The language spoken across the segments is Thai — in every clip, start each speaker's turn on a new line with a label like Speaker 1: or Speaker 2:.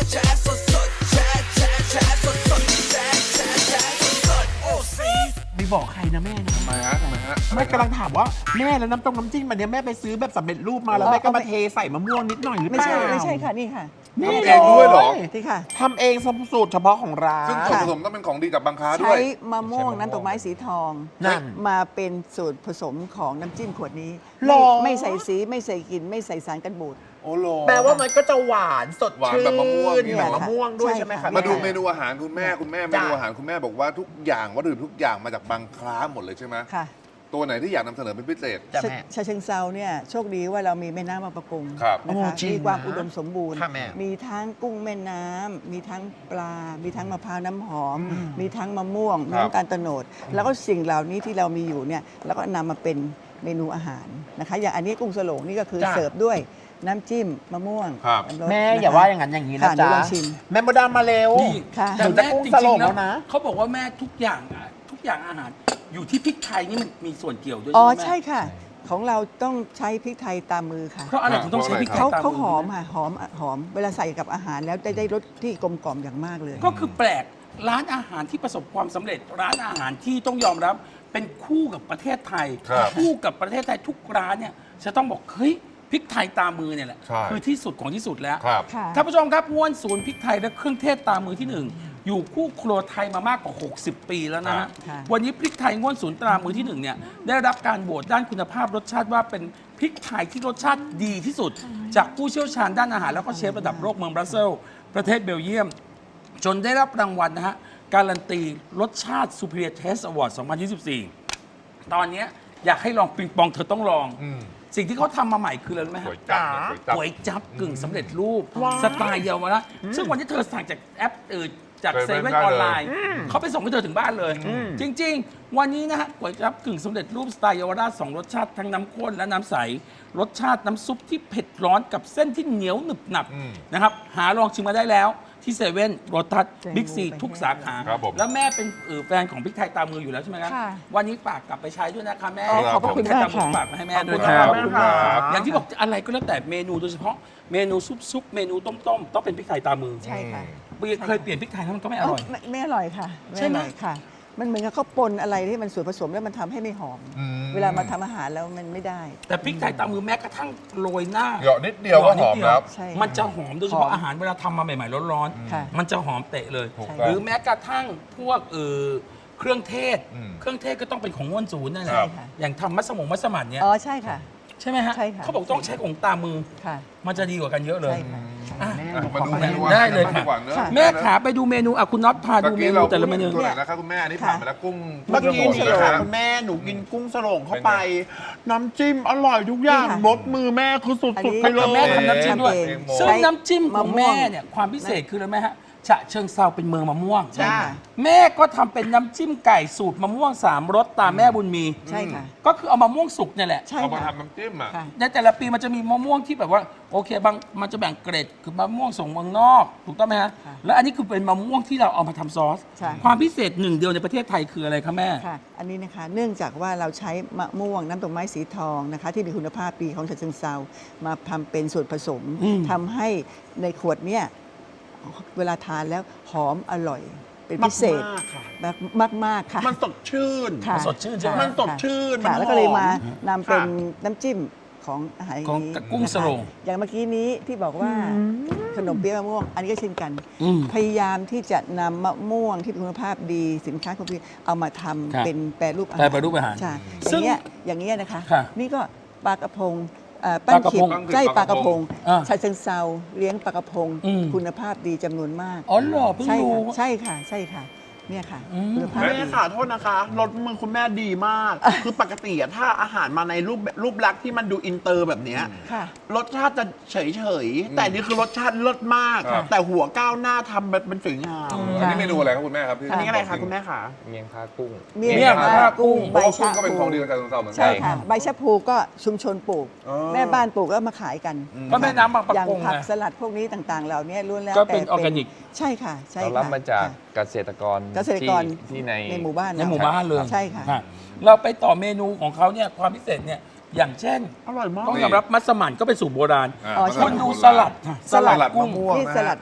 Speaker 1: แชร์สดสดแชร์แชร์แชร์สดสดแชร์แชร์แชร์สดสดโอ้ซี
Speaker 2: ไม่บอกใครนะแม่นะ
Speaker 3: ทำไมฮะ
Speaker 2: แม่กำลังถามว่าแม่แล้วน้ำจิ้มมันเนี่ยแม่ไปซื้อแบบสำเร็จรูปมาแล้วแม่ก็มาเทใส่มะม่วงนิดหน่อยหรือเป
Speaker 4: ไม่
Speaker 2: ล่า
Speaker 4: ใช่ไม่ใช่ค่ะนี่ค่ะ
Speaker 3: ทำเองด้วยเหรอ
Speaker 4: ที่ค่ะ
Speaker 2: ทำเองสูตรเฉพาะของร้าน
Speaker 3: ซึ่งส่วนผสมต้องเป็นของดีจากบางค้าด้
Speaker 4: ใช้
Speaker 3: วย
Speaker 4: มะม่วงน้ำตกไม้สีทอง
Speaker 2: นั่น
Speaker 4: มาเป็นสูตรผสมของน้ำจิ้มขวดนี้
Speaker 2: หรอ
Speaker 4: ไม่ใส่สีไม่ใส่กลิ่นไม่ใส่สารกันบูด
Speaker 3: โอ้โห
Speaker 2: แปลว่ามันก็จะหวานสด
Speaker 3: หวาน
Speaker 2: ชื่น
Speaker 3: แบบมะม่วง
Speaker 2: แบบมะม่วงด้วย
Speaker 4: ใช่
Speaker 2: ใช่ไหม
Speaker 4: ค่ะ
Speaker 2: คะ
Speaker 3: มาดู
Speaker 2: แ
Speaker 3: เมนูอาหารคุณแม่เมนูอาหารคุณแม่บอกว่าทุกอย่างวัตถุดิบทุกอย่างมาจากบางคล้าหมดเลยใช่ไหม
Speaker 4: ค่ะ
Speaker 3: ตัวไหนที่อยากนำเสนอเป็นพิเศษ
Speaker 2: จ้ะแม่
Speaker 4: ชาเชิงเซาเนี่ยโชคดีว่าเรามีแม่น้ำมาประกง
Speaker 3: ครับ
Speaker 4: นะคะ
Speaker 2: โอ้จริง
Speaker 4: มีความ
Speaker 2: นะ
Speaker 4: อุดมสมบูรณ์
Speaker 2: ค่ะแม่
Speaker 4: มีทั้งกุ้งแม่น้ำมีทั้งปลา มีทั้งมะพร้าวน้ำหอม มีทั้งมะม่วง
Speaker 3: ครับ
Speaker 4: น้ำตาลโตนด แล้วก็สิ่งเหล่านี้ที่เรามีอยู่เนี่ยเราก็นำมาเป็นเมนูอาหารนะคะ อย่างอันนี้กุ้งสโลงนี่ก็คือ
Speaker 2: จ้ะ
Speaker 4: เสิร์ฟด้วยน้ำจิ้มมะม่วง
Speaker 3: ครับ
Speaker 4: น้ำรส
Speaker 2: แม่
Speaker 4: นะคะ
Speaker 2: อย่าว่าอย่างนั้นอย่างนี้นะ
Speaker 4: ค่ะ
Speaker 2: จ๊ะ
Speaker 4: เดี๋ยวลองชิม
Speaker 2: แม่มดดามมาเร็ว
Speaker 5: นี่
Speaker 4: ค่ะ
Speaker 5: แต่
Speaker 2: หนูจะ
Speaker 5: แม่
Speaker 2: กุ้ง
Speaker 5: จ
Speaker 2: ส
Speaker 5: ริ
Speaker 2: โล
Speaker 5: ง
Speaker 2: ง
Speaker 5: ๆ
Speaker 2: แล้วนะ
Speaker 5: เขาบอกว่าแม่ทุกอย่างอาหารอยู่ที่พริกไทยนี่มันมีส่วนเกี่ยวด้วย
Speaker 4: อ๋อ
Speaker 5: ใช่ไหม
Speaker 4: ใช่ค่ะ ของเราต้องใช้พริกไทยตามมือค่ะ
Speaker 5: เพราะอะไรถึงต้องใช้พริกไทย
Speaker 4: เขา
Speaker 5: ตาม
Speaker 4: เขาหอม
Speaker 5: มื
Speaker 4: ค่ะหอมเวลาใส่กับอาหารแล้วได้รสที่กลมกล่อมอย่างมากเลย
Speaker 5: ก็คือแปลกร้านอาหารที่ประสบความสำเร็จ ร้านอาหารที่ต้องยอมรับเป็นคู่กับประเทศไทย
Speaker 3: ครับ
Speaker 5: คู่กับประเทศไทยทุกร้านเนี่ยจะต้องบอกเฮ้ยพริกไทยตามมือเนี่ยแหละ
Speaker 3: ใช่
Speaker 5: คือที่สุดของที่สุดแล้ว
Speaker 3: ครับ
Speaker 4: ค่ะ
Speaker 5: ท่านผู้ชมครับม้วนศูนย์พริกไทยและเครื่องเทศตามมือที่หนึ่งอยู่คู่ครัวไทยมามากกว่า 60 ปีแล้วนะฮะ
Speaker 4: ค่ะ
Speaker 5: วันนี้พริกไทยง้วนศูนย์ตรามือที่หนึ่งเนี่ยได้รับการโหวตด้านคุณภาพรสชาติว่าเป็นพริกไทยที่รสชาติดีที่สุด จากผู้เชี่ยวชาญด้านอาหารแล้วก็เชฟระดับโลกเมืองบรัสเซลส์ประเทศเบลเยียม จนได้รับรางวัลนะฮะการันตีรสชาติ Superior Taste Award 2024 ตอนเนี้ยอยากให้ลองปิงปองเธอต้องลอง
Speaker 3: อืม
Speaker 5: สิ่งที่เขาทำมาใหม่คืออะไรรู้ไหม
Speaker 3: ก๋
Speaker 5: ฮะ
Speaker 3: วยจั๊บเนี่ยก๋วยจั๊บ
Speaker 5: ก๋วยจับกึ่งสำเร็จรูป
Speaker 2: ว้าว
Speaker 5: สไตล์เยาวราชซึ่งวันนี้เธอสั่งจากแอปจาก
Speaker 3: เซ
Speaker 5: เซ
Speaker 3: เว่
Speaker 5: เว่
Speaker 3: น
Speaker 5: น
Speaker 3: ได้
Speaker 5: อ
Speaker 3: เลย
Speaker 5: อนไลน์เขาไปส่งให้เธอถึงบ้านเลย จริง ๆ วันนี้นะฮะก๋วยจับกึ่งสำเร็จรูปสไตล์เยาวราช2รสชาติทั้งน้ำข้นและน้ำใส รสชาติน้ำซุปที่เผ็ดร้อนกับเส้นที่เหนียวหนึบหนับ
Speaker 3: อืม
Speaker 5: นะครับหาลองชิมมาได้แล้วที่เซเว่นโรตัส
Speaker 4: เจ๋ง
Speaker 5: บิ๊กซี
Speaker 4: ไป
Speaker 5: ทุกสาขา
Speaker 3: ครับผม
Speaker 5: แล้วแม่เป็นแฟนของพริกไทยตามมืออยู่แล้วใช่ไหมครับ
Speaker 4: ค่ะ
Speaker 5: วันนี้ฝากกลับไปใช้ด้วยนะคะแม่
Speaker 3: ขอบพระคุณ
Speaker 5: พริกไทยตามมือ
Speaker 4: มากค่ะ
Speaker 5: ฝากมาให้แม่
Speaker 2: ขอบ
Speaker 5: ด้
Speaker 2: คุ
Speaker 5: วย
Speaker 2: ณ
Speaker 5: ค
Speaker 2: ครั
Speaker 5: รับ
Speaker 2: บ
Speaker 3: ขอบคุณครับ
Speaker 5: อย่างที่บอกอะไรก็แล้วแต่เมนูโดยเฉพาะเมนูซุปเมนูต้มต้องเป็นพริกไทยตามมือ
Speaker 4: ใช่ค่ะ
Speaker 5: เคยเปลี่ยนพริกไทยแล้วมันก็ไม่อร่อย
Speaker 4: ไม่อร่อยค่ะ
Speaker 5: ใช่ไหม
Speaker 4: อร่อยค่ะ มันเหมือนกับเขาปนอะไรที่มันส่วนผสมแล้วมันทำให้ไม่หอม
Speaker 3: อืม
Speaker 4: เวลามาทำอาหารแล้วมันไม่ได้
Speaker 5: แต่พริกไทยตามมือแม้กระทั่งโรยหน้า
Speaker 3: เหยาะนิดเดียวก็หอมแล้ว
Speaker 4: ใช่
Speaker 5: มันจะหอมโดยเฉ
Speaker 4: หอ
Speaker 5: พาะ
Speaker 4: ม
Speaker 5: อาหารเวลาทำมาใหม่ๆร้อน
Speaker 4: ค่ะ
Speaker 5: ๆมันจะหอมเตะเลย
Speaker 3: ถูก
Speaker 4: ใช่
Speaker 3: ต้อง
Speaker 5: หรือแม้กระทั่งพวกเครื่องเทศ
Speaker 3: อืม
Speaker 5: เครื่องเทศก็ต้องเป็นของง่วนศูนย์นั่นแหละ
Speaker 3: ครับ
Speaker 5: อย่างทำมัสมั่นเนี่ย
Speaker 4: อ๋อใช่ค่ะ
Speaker 5: ใช่ไหมฮะ
Speaker 4: ใช่ค่ะ
Speaker 5: เขาบอกต้องใช้ของตามมือ
Speaker 4: ค่ะ
Speaker 5: มันจะดีกว่ากันเยอะเลย
Speaker 4: ใช่ค่ะ
Speaker 5: อ่ะ
Speaker 3: อ่ะมาดู
Speaker 2: ขอ
Speaker 3: เมนู
Speaker 5: ได้เลยค่ะ
Speaker 3: ดีกว่าเนอะ
Speaker 4: ค่ะ
Speaker 5: แม่ขาไปดูเมนูอ่ะคุณน็อตพา
Speaker 3: เมื่
Speaker 5: ดู
Speaker 3: อ
Speaker 5: เม
Speaker 3: กี้
Speaker 5: นู
Speaker 3: เรา
Speaker 5: แต่ละเมนู
Speaker 3: ตัวไหนนะครับคุณแม่อันนี้ผ่านไปแล้วกุ้ง
Speaker 2: เมื่อกี้
Speaker 3: กุ้ง
Speaker 2: นี่
Speaker 3: สโลง
Speaker 2: คุณแม่หนูกินกุ้งสโลงเข้าไป น้ำจิ้มอร่อยทุกอย่าง
Speaker 4: นี่ค่ะ
Speaker 2: รสมือแม่คือสุดๆไปเล
Speaker 5: แม่
Speaker 2: ย
Speaker 5: ทำน้ำจิ้มด้วย
Speaker 4: เอง
Speaker 5: ซึ่งน้ำจิ้มของ
Speaker 4: มะม่ว
Speaker 5: แม่
Speaker 4: ง
Speaker 5: เนี่ยความพิเศษคืออะไรไหมฮะฉะเชิงเซาเป็นเมืองมะม่วง
Speaker 4: ใช่ค่ะ
Speaker 5: แม่ก็ทำเป็นน้ำจิ้มไก่สูตรมะม่วง3รสตามแม่บุญมี
Speaker 4: ใช่ค่ะ
Speaker 5: ก็คือเอามะม่วงสุกเนี่ยแหละ
Speaker 4: ใช่
Speaker 3: เอามา
Speaker 4: ค่ะ
Speaker 3: ทำน้ำจิ้มอ่ะ
Speaker 4: ค่ะ
Speaker 5: ในแต่ละปีมันจะมีมะม่วงที่แบบว่าโอเคบางมันจะแบ่งเกรดคือมะม่วงส่งเมืองนอกถูกต้องไหมฮะ
Speaker 4: ค่ะ
Speaker 5: แล้วอันนี้คือเป็นมะม่วงที่เราเอามาทำซอส
Speaker 4: ใช่
Speaker 5: ความพิเศษหนึ่งเดียวในประเทศไทยคืออะไรคะแม่
Speaker 4: ค่ะ อันนี้นะคะ เนื่องจากว่าเราใช้มะม่วงน้ำตกไม้สีทองนะคะ ที่มีคุณภาพดีของฉะเชิงเซามาทำเป็นส่วนผสม
Speaker 5: อืม
Speaker 4: ทำให้ในขวดเนี่ยเวลาทานแล้วหอมอร่อย เป็นพิเศษ
Speaker 2: มากๆค่ะ
Speaker 4: แบบมากๆค่ะ
Speaker 2: มันสดชื่น
Speaker 4: ค่ะ
Speaker 5: สดชื่นใช่ไหม
Speaker 2: มันสดชื่น
Speaker 4: ค่ะ
Speaker 2: มัน
Speaker 4: แล้วก็เลย
Speaker 2: หอม
Speaker 4: มานำเป็นน้ำจิ้มของอาหาร
Speaker 5: ของ
Speaker 4: นี้
Speaker 5: กุ้งสโลง
Speaker 4: นะคะอย่างเมื่อกี้นี้ที่บอกว่าขนมเปี๊ยะมะม่วง อันนี้ก็เช่นกัน
Speaker 5: อืม
Speaker 4: พยายามที่จะนำมะม่วงที่มีคุณภาพดีสินค้าคุณภาพเอามาทำ
Speaker 5: ครับ
Speaker 4: เป็นแปรรูปอาหาร
Speaker 5: แปรรูปอาหาร
Speaker 4: ใช่
Speaker 5: ซึ่ง
Speaker 4: อย่างเงี้ยนะคะ
Speaker 5: ค่ะ
Speaker 4: นี่ก็ปลากระพงปั้น
Speaker 5: ปลากระ
Speaker 4: ขิ
Speaker 5: พ
Speaker 4: ด
Speaker 5: ง
Speaker 4: ไส้ปลากระพง
Speaker 5: อ่า
Speaker 4: ชาเชิงเซาเลี้ยงปลากระพง
Speaker 5: อืม
Speaker 4: คุณภาพดีจำนวนมาก
Speaker 5: อ๋อเหรอเพิ่ง
Speaker 4: ใช่
Speaker 5: รู้
Speaker 4: ค่ะใช่ค่ะใช่ค่ะเนี่ยค่ะ
Speaker 5: อืม
Speaker 4: คุณภาพ
Speaker 2: แม่
Speaker 4: ดี
Speaker 2: ค่ะโทษนะคะรสมือคุณแม่ดีมาก คือปกติอะถ้าอาหารมาในรูปลักษณ์ที่มันดูอินเตอร์แบบเนี้ย
Speaker 4: ค่ะ
Speaker 2: รสชาติจะเฉยๆ แต่นี่คือรสชาติเลิศมาก
Speaker 3: ครับ
Speaker 2: แต่หัวก้าวหน้าทำแบบเป็นสวยงาม
Speaker 3: อันนี้เมนูอะไรครับคุณแม่ครับที่
Speaker 2: อันนี้อะไรคะคุณแม่คะ
Speaker 6: เมียงพากุ้ง
Speaker 4: เมี่ยง
Speaker 5: เมี่ยง
Speaker 4: ปลากุ้ง
Speaker 3: เพ
Speaker 4: ใบ
Speaker 3: ราะว่ากุ้
Speaker 4: ชะ
Speaker 3: งก็เป็น
Speaker 4: พู
Speaker 3: ของดีของจันทร์เซาเหมือนกั
Speaker 4: ใช่
Speaker 3: น
Speaker 4: ค่ะใบชะพูก็ชุมชนปลูก
Speaker 3: อ๋อ
Speaker 4: แม่บ้านปลูกแล้วมาขายกัน
Speaker 5: ก็แม่น้ำบางปะ
Speaker 4: อย่าง
Speaker 5: กง
Speaker 4: ผัก
Speaker 5: ไง
Speaker 4: สลัดพวกนี้ต่างๆ เหล่านี้ล้วนแล้ว
Speaker 5: ก็เป็น
Speaker 4: แต่
Speaker 5: ออร์แกนิก
Speaker 4: ใช่ค่ะใช่
Speaker 6: เรา
Speaker 4: ค่ะ
Speaker 6: รับมาจาก
Speaker 4: ค่ะ
Speaker 6: เกษตรกร
Speaker 4: เกษตรกร
Speaker 6: ที่ใน
Speaker 4: ในหมู่บ้าน
Speaker 5: ในหมู่บ้านเลย
Speaker 4: ใช่ค่ะ
Speaker 5: เราไปต่อเมนูของเขาเนี่ยความพิเศษเนี่ยอย่างเช่น
Speaker 2: อร่อยมาก
Speaker 5: ต้องยอมรับมัสมั่นก็เป็นสูตรโบราณ
Speaker 3: อ่า
Speaker 4: อ๋อ
Speaker 5: คุณดูสลัดค่ะ
Speaker 4: สลัด
Speaker 3: สลัด
Speaker 5: กุ้
Speaker 3: มะ
Speaker 5: ง
Speaker 3: ม่วง
Speaker 4: นี่
Speaker 3: นะ
Speaker 4: สลัด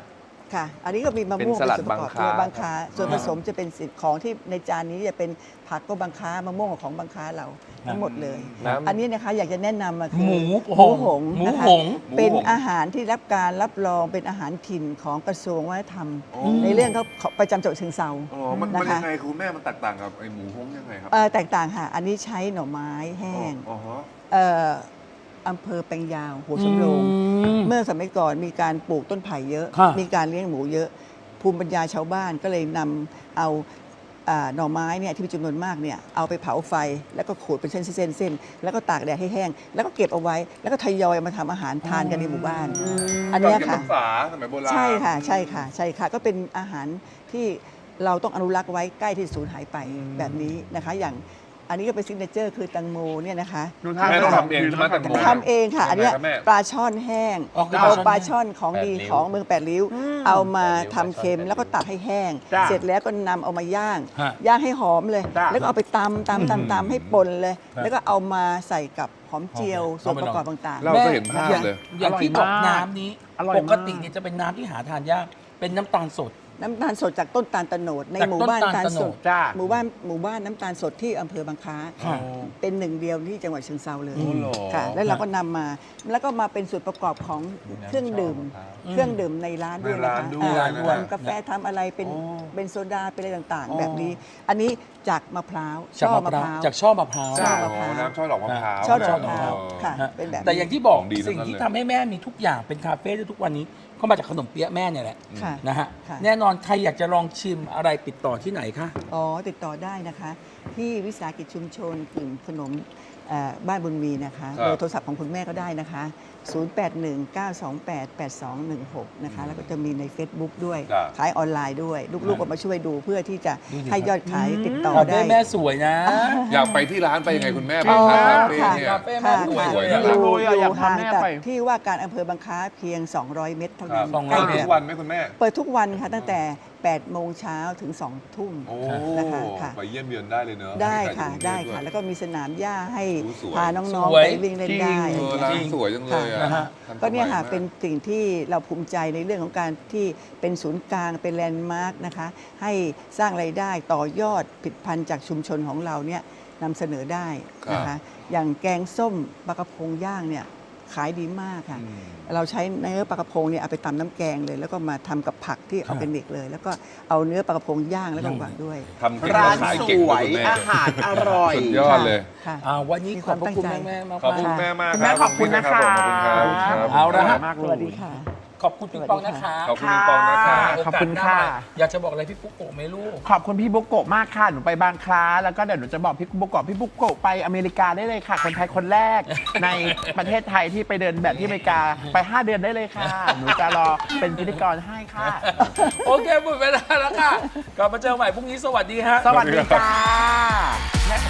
Speaker 4: ค่ะ อันนี้ก็มีมะม่วง
Speaker 6: เป็นสลัด
Speaker 4: ส่วนประกอบ
Speaker 6: บังคล้า
Speaker 4: บางค้าส่วนผสมจะเป็นสิ่งของที่ในจานนี้จะเป็นผักก็บางค้ามะม่วงของบางค้าเราทั้งหมดเลย
Speaker 6: น้ำ
Speaker 4: อันนี้นะคะอยากจะแนะนำมาคือ
Speaker 5: หมู
Speaker 4: หมูหง
Speaker 5: หมู
Speaker 4: นะคะ
Speaker 5: หง
Speaker 4: เป็นอาหารที่รับการรับรองเป็นอาหารถิ่นของกระทรวงวัฒนธรรม ในเรื่องเขาประจำจังหวัดเชียงเทรา
Speaker 3: อ๋อมัน
Speaker 4: นะคะ
Speaker 3: ยังไงคุณแม่มันแตกต่างกับไอ้หมูฮ้งยังไงครับ
Speaker 4: แตกต่างค่ะ อันนี้ใช้หน่อไม้แห้ง
Speaker 3: อ๋อฮะ
Speaker 4: เอ่ออำเภอแปลงยาวหัวสำโรง เมื่อสมัยก่อนมีการปลูกต้นไผ่เยอะ
Speaker 5: ค่ะ
Speaker 4: มีการเลี้ยงหมูเยอะ ภูมิปัญญาชาวบ้านก็เลยนำเอาหน่อไม้เนี่ยที่มีจำนวนมากเนี่ยเอาไปเผาไฟ แล้วก็ขูดเป็นเส้นๆแล้วก็ตากแดดให้แห้ง แล้วก็เก็บเอาไว้ แล้วก็ทยอยมาทำอาหารทานกันในหมู่บ้าน อันเนี้ย
Speaker 3: ก่
Speaker 4: ค่ะ
Speaker 3: เก็บรักษาสมัยโบราณ
Speaker 4: ใช่ค่ะใช่ค่ะใช่ค่ะ ก็เป็นอาหารที่เราต้องอนุรักษ์ไว้ใกล้ที่สูญหายไปแบบนี้นะคะ อย่างอันนี้ก็เป็นซิกเนเจอร์คือแตังโมเนี่ยนะคะ
Speaker 2: ดูท่า
Speaker 3: แม่ต้องทำเองใช่ไหมแตงโม
Speaker 4: ทำเองค่ะ อันเนี้ย
Speaker 3: ยังไงครับแม่
Speaker 4: ปลาช่อนแห้ง
Speaker 5: อ๋อคือ
Speaker 4: เอา
Speaker 5: ป
Speaker 4: ป
Speaker 5: ลา
Speaker 4: ลา
Speaker 5: ช่
Speaker 4: ช่
Speaker 5: อ
Speaker 4: อน นของดีของเมืองแปดริ้ว เอามาทำเค็มแล้วก็ตักให้แห้ง
Speaker 2: จ้ะ
Speaker 4: เสร็จแล้วก็นำเอามาย่าง
Speaker 5: ฮะ
Speaker 4: ย่างให้หอมเลย
Speaker 2: จ้ะ
Speaker 4: แล้วก็เอาไปตำให้ป่นเลย แล้วก็เอามาใส่กับหอมเจียวส่วนประกอบต่างๆ
Speaker 3: เราจะเห็นภาพเลย
Speaker 5: อย่างที่บอก
Speaker 2: อร่อยมาก
Speaker 5: น้ำนี้
Speaker 2: อร่อย
Speaker 5: ป
Speaker 2: มาก
Speaker 5: กติเนี่ยจะเป็นน้ำที่หาทานยาก เป็นน้ำตาลสด
Speaker 4: น้ำตาลสดจากต้นตาลตะโนดใน
Speaker 5: จาก
Speaker 4: หมู่บ้าน
Speaker 5: ต้นตาล
Speaker 4: ตาลสด
Speaker 5: ตะโนด
Speaker 2: จ้า
Speaker 4: หมู่บ้านน้ำตาลสดที่อำเภอบางคล้า
Speaker 5: ค่ะ
Speaker 4: เป็นหนึ่งเดียวที่จังหวัดเชียงเทราเลย
Speaker 3: โอ้โห
Speaker 4: ค่ะ แล้วเราก็นำมาแล้วก็มาเป็นส่วนประกอบของเครื่องดื่ม เครื่องดื่มในร้านด้วยนะคะ
Speaker 3: ในร้านด้วย
Speaker 4: ทำกาแฟทำอะไรเป็นโซดาเป็นอะไรต่าง
Speaker 5: อ๋อ
Speaker 4: ๆ แบบนี้ อันนี้จากมะพร้าว
Speaker 5: จาก
Speaker 4: ช่อ
Speaker 5: มะ
Speaker 4: มะ
Speaker 5: พ
Speaker 4: พ
Speaker 5: ร้า
Speaker 4: ร้าว ว
Speaker 5: จากช่อมะพร้าว
Speaker 4: ช่อมะพร้าว
Speaker 3: น้ำช่อดอกมะพร้าว
Speaker 4: ช่อดอกมะพร้าว
Speaker 3: อ๋อ
Speaker 4: ค่ะ
Speaker 5: ฮะ
Speaker 4: เป็นแบบ
Speaker 5: แต่อย่างที่บอก
Speaker 3: ของดีทั้งนั้น
Speaker 5: สิ่งที่ทำให้แม่มีทุกอย่างเป็นคาเฟ่ได้ทุกวันนี้ก็มาจากขนมเปี๊ยะแม่เนี่ยแหละ
Speaker 4: ค่ะ
Speaker 5: นะฮะ
Speaker 4: ค่ะ
Speaker 5: แน่นอนใครอยากจะลองชิมอะไรติดต่อที่ไหนคะ
Speaker 4: อ๋อติดต่อได้นะคะ ที่วิสาหกิจชุมชนกลุ่มขนมบ้านบุญมีนะคะ
Speaker 3: ครับ
Speaker 4: เบอร์โทรศัพท์ของคุณแม่ก็ได้นะคะ 0819288216 นะคะ แล้วก็จะมีใน Facebook ด้วย
Speaker 3: จ้ะ
Speaker 4: ขายออนไลน์ด้วย ลูกๆก็มาช่วยดูเพื่อที่จะให้ยอดขายติดต่อ
Speaker 5: คาเฟ่
Speaker 4: ได้
Speaker 5: แม่สวยนะ
Speaker 3: อยากไปที่ร้านไปยังไงคุณแม่
Speaker 4: อ๋
Speaker 3: บ้าง
Speaker 4: อ
Speaker 3: ครับคาเฟ่
Speaker 4: ค่ะ
Speaker 3: เนี่ย
Speaker 5: คาเฟ่แม่
Speaker 4: ค่ะ
Speaker 5: สวย
Speaker 3: สวย
Speaker 5: เลย
Speaker 3: นะ
Speaker 4: อยู่
Speaker 2: อยาก
Speaker 4: อยู่
Speaker 2: พา
Speaker 4: ห่าง
Speaker 2: แม่
Speaker 4: จาก
Speaker 2: ไป
Speaker 4: ที่ว่าการอำเภอบางคล้าเพียง 200 เมตรเท่า
Speaker 3: ครั
Speaker 4: นั้
Speaker 3: บ
Speaker 4: น
Speaker 5: สองร้
Speaker 3: เปิ
Speaker 5: อย
Speaker 3: ด
Speaker 5: เมตร
Speaker 3: ทุกวันไหมคุณแม่
Speaker 4: เปิดทุกวันค่ะตั้งแต่ 8 โมงเช้าถึง 2 ทุ่ม
Speaker 3: โอ้
Speaker 4: นะคะค่ะ
Speaker 3: ไปเยี่ยมเยือนได้เลยเนอะ
Speaker 4: ได้ค่ะ
Speaker 3: ให้ใรอยู่
Speaker 4: ได้
Speaker 3: กรุงเทพ
Speaker 4: ค่ะ
Speaker 3: ด้วย
Speaker 4: แล้วก็มีสนามหญ้าให้
Speaker 3: สวย
Speaker 4: พาน้อง
Speaker 5: ส
Speaker 4: ๆ
Speaker 5: วย
Speaker 4: ไปวิ่งเล่นได้
Speaker 3: เออร้านสวยจังเลยอะ
Speaker 5: นะฮะ
Speaker 3: ทัสมัย
Speaker 4: ก็เนี่ยค่ะ
Speaker 3: มาก
Speaker 4: เป็นสิ่งที่เราภูมิใจในเรื่องของการที่เป็นศูนย์กลางเป็นแลนด์มาร์กนะคะ ให้สร้างไรายได้ต่อยอดผลิตภัณฑ์จากชุมชนของเราเนี่ยนำเสนอได้นะคะ อย่างแกงส้มปลากระพงย่างเนี่ยขายดีมากค่ะ เราใช้เนื้อปลากระพงเนี่ยเอาไปตำน้ำแกงเลย แล้วก็มาทำกับผักที่ออร์แกนิกเลย แล้วก็เอาเนื้อปลากระพงย่างแล้วก็วางด้วย
Speaker 3: ทำเก่ง
Speaker 2: ร้าน
Speaker 3: ขาย
Speaker 2: ส
Speaker 3: เก่ง
Speaker 2: ว
Speaker 3: ด้วย
Speaker 2: ย
Speaker 3: คุณแม่
Speaker 2: อาหารอร่อย
Speaker 3: สุดยอดเลย
Speaker 4: ค่ะ
Speaker 5: วันนี้ขอบพระคุณแม่ๆมาก
Speaker 3: ขอบคุณ
Speaker 5: ๆ
Speaker 3: แม่มาก
Speaker 2: คุณแม่ขอบคุณนะคะ
Speaker 3: ขอบคุณครับขอบคุณครับ
Speaker 5: เอาละฮะ
Speaker 2: มากเล
Speaker 4: ส
Speaker 2: ย
Speaker 4: วัสดีค่ะ
Speaker 5: ขอบคุณพี่ปองนะคะ
Speaker 3: ขอบคุณพี่ปองนะคะ
Speaker 2: ขอบคุณค่ะ
Speaker 5: โอกาสหน้ามาอยากจะบอกอะไรพี่ปุ๊กโกะไหมลูก
Speaker 2: ขอบคุณพี่บุกโกะมากค่ะ หนูไปบางคล้า แล้วก็เดี๋ยวหนูจะบอกพี่บุกโกะไปอเมริกาได้เลยค่ะ คนไทยคนแรก ในประเทศไทยที่ไปเดินแบบที่อเมริกา ไป 5 เดือนได้เลยค่ะ หนูจะรอเป็นพิธีกรให้ค่ะ
Speaker 5: โอเคหมดเวลาแล้วค่ะ กลับมาเจอใหม่พรุ่งนี้สวัสดีฮะ
Speaker 2: สวัสดีค่ะแม่